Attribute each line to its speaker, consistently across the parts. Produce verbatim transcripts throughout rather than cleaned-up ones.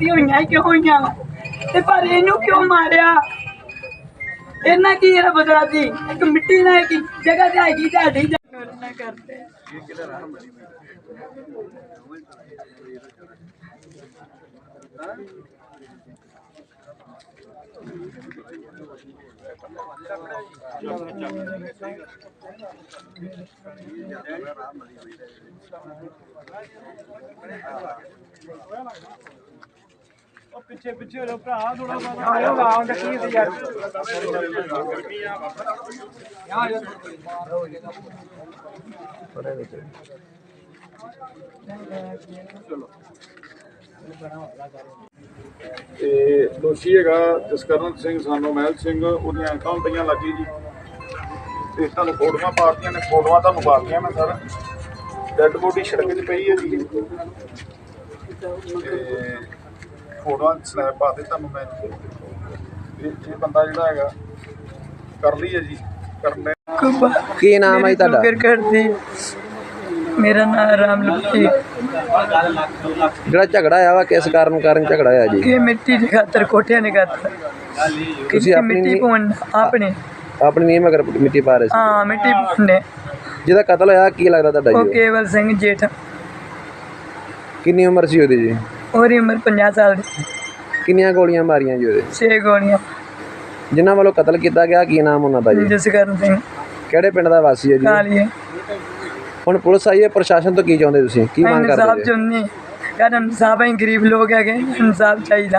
Speaker 1: गलतियां हुई क्यों हुई ते पर इनू क्यों मारिया इन्ना की ये बदला सी एक मिट्टी ना की जगह ते आएगी ढाडी ना करते पिछे पिछे हो भरा थोड़ा
Speaker 2: दोषी है जसकरण सिंह सानू महल सिंह उन्हें अखा पईयां लगी जी ते तुहानू फोटोआं पातियां ने फोटोआं तुहानू पातियां मैं सर डैड बॉडी सड़क च पई है जी फोटोआं स्नैप पाते तुहानू मैं ये बंदा जिहड़ा हैगा कर ली है जी करने
Speaker 3: की नाम है तुहाडा
Speaker 1: करदी मेरा नाम राम लक्की
Speaker 3: ਜਿਹੜਾ ਝਗੜਾ ਆਇਆ ਵਾ ਕਿਸ ਕਾਰਨ ਕਾਰਨ ਝਗੜਾ ਆਇਆ ਜੀ
Speaker 1: कि मिट्टी की खातर कोठियां ने खातर
Speaker 3: ਤੁਸੀਂ ਆਪਣੀ
Speaker 1: मिट्टी
Speaker 3: ਨੀ-
Speaker 1: पौन आपने
Speaker 3: ਆਪਣੀ ਨੀਂਹ ਮਗਰ ਮਿੱਟੀ ਪਾ ਰਹੇ ਸੀ
Speaker 1: हाँ मिट्टी पौने
Speaker 3: ਜਿਹਦਾ ਕਤਲ ਹੋਇਆ ਕੀ ਲੱਗਦਾ ਤੁਹਾਡਾ
Speaker 1: वो
Speaker 3: ਜੀ ਉਹ?
Speaker 1: केवल सिंह जेठ
Speaker 3: ਕਿੰਨੀ ਉਮਰ ਸੀ ਉਹਦੀ ਜੀ
Speaker 1: और उम्र पचास साल दी
Speaker 3: ਕਿੰਨੀਆਂ ਗੋਲੀਆਂ ਮਾਰੀਆਂ ਜੀ ਉਹਦੇ
Speaker 1: छे गोलियां
Speaker 3: ਜਿਨ੍ਹਾਂ ਵੱਲੋਂ ਕਤਲ ਕੀਤਾ ਗਿਆ ਕੀ ਨਾਮ ਉਹਨਾਂ ਦਾ ਜੀ
Speaker 1: जसकरण सिंह
Speaker 3: ਕਿਹੜੇ ਪਿੰਡ ਦਾ ਵਾਸੀ ਹੈ ਜੀ
Speaker 1: कालिए
Speaker 3: ਹੁਣ ਪੁਲਿਸ ਆਈ ਹੈ ਪ੍ਰਸ਼ਾਸਨ ਤੋਂ ਕੀ ਚਾਹੁੰਦੇ ਤੁਸੀਂ ਕੀ ਮੰਗ
Speaker 1: इंसाफ
Speaker 3: ਕਰਦੇ ਜੀ
Speaker 1: चुननी यार इंसाफ है गरीब लोग है इंसाफ चाहिए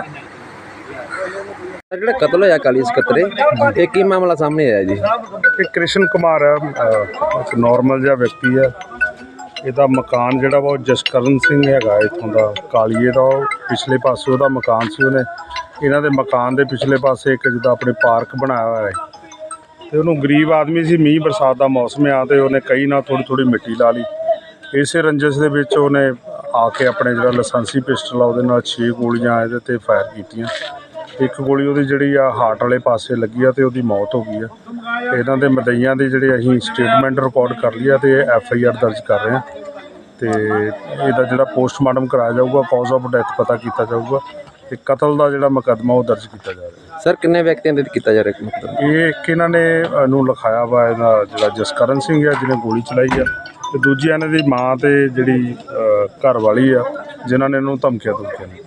Speaker 3: ਜਿਹੜਾ ਕਤਲ ਹੋਇਆ ਕਾਲੀ ਸਕੱਤਰੇ ਇਹ ਕੀ ਮਾਮਲਾ ਸਾਹਮਣੇ ਆਇਆ ਜੀ
Speaker 4: ਇਹ ਕ੍ਰਿਸ਼ਨ ਕੁਮਾਰ ਹੈ, ਅਹ ਇੱਕ ਨੋਰਮਲ ਜਿਹਾ ਵਿਅਕਤੀ ਹੈ। ਇਹਦਾ ਮਕਾਨ ਜਿਹੜਾ ਵਾ ਉਹ ਜਸਕਰਨ ਸਿੰਘ ਹੈਗਾ ਇੱਥੋਂ ਦਾ ਕਾਲੀਏ ਦਾ। ਉਹ ਪਿਛਲੇ ਪਾਸੇ ਉਹਦਾ ਮਕਾਨ ਸੀ, ਉਹਨੇ ਇਹਨਾਂ ਦੇ ਮਕਾਨ ਦੇ ਪਿਛਲੇ ਪਾਸੇ ਇੱਕ ਜਿੱਦਾਂ ਆਪਣੇ ਪਾਰਕ ਬਣਾਇਆ ਹੋਇਆ ਹੈ ਤੇ ਉਹਨੂੰ ਗਰੀਬ ਆਦਮੀ ਸੀ, ਮੀਂਹ ਬਰਸਾਤ ਦਾ ਮੌਸਮ ਆ ਤੇ ਉਹਨੇ ਕਈ ਨਾਲ ਥੋੜ੍ਹੀ ਥੋੜ੍ਹੀ ਮਿੱਟੀ ਲਾ ਲਈ। ਇਸੇ ਰੰਜਿਸ਼ ਦੇ ਵਿੱਚ ਉਹਨੇ ਆ ਕੇ ਆਪਣੇ ਜਿਹੜਾ ਲਾਇਸੈਂਸੀ ਪਿਸਟਲ ਆ ਉਹਦੇ ਨਾਲ ਛੇ ਗੋਲੀਆਂ ਇਹਦੇ 'ਤੇ ਫਾਇਰ ਕੀਤੀਆਂ। ਇੱਕ ਗੋਲੀ ਉਹਦੀ ਜਿਹੜੀ ਆ ਹਾਰਟ ਵਾਲੇ ਪਾਸੇ ਲੱਗੀ ਆ ਤੇ ਉਹਦੀ ਮੌਤ ਹੋ ਗਈ ਆ। ਤੇ ਇਹਨਾਂ ਦੇ ਮਦਈਆਂ ਦੀ ਜਿਹੜੇ ਅਸੀਂ ਸਟੇਟਮੈਂਟ ਰਿਕਾਰਡ ਕਰ ਲਈ ਆ ਤੇ ਐਫ ਆਈ ਆਰ ਦਰਜ ਕਰ ਰਹੇ ਹਾਂ ਤੇ ਇਹਦਾ ਜਿਹੜਾ ਪੋਸਟਮਾਰਟਮ ਕਰਾਇਆ ਜਾਊਗਾ, ਕਾਜ਼ ਆਫ ਡੈਥ ਪਤਾ ਕੀਤਾ ਜਾਊਗਾ ਤੇ ਕਤਲ ਦਾ ਜਿਹੜਾ ਮੁਕੱਦਮਾ ਉਹ ਦਰਜ ਕੀਤਾ ਜਾ ਰਿਹਾ।
Speaker 3: ਸਰ ਕਿੰਨੇ ਵਿਅਕਤੀਆਂ ਦੇ ਕੀਤਾ ਜਾ ਰਿਹਾ ਮਤਲਬ
Speaker 4: ਇਹ ਇੱਕ ਇਹਨਾਂ ਨੇ ਅ, ਨੂੰ ਲਿਖਾਇਆ ਵਾ ਇਹਦਾ ਜਿਹੜਾ ਜਸਕਰਨ ਸਿੰਘ ਆ ਜਿਹਨੇ ਗੋਲੀ ਚਲਾਈ ਆ ਤੇ ਦੂਜੀ ਇਹਨਾਂ ਦੀ ਮਾਂ ਤੇ ਜਿਹੜੀ ਅ, ਘਰ ਵਾਲੀ ਆ ਜਿਨ੍ਹਾਂ ਨੇ ਇਹਨੂੰ ਧਮਕੀਆਂ ਧਮਕੀਆਂ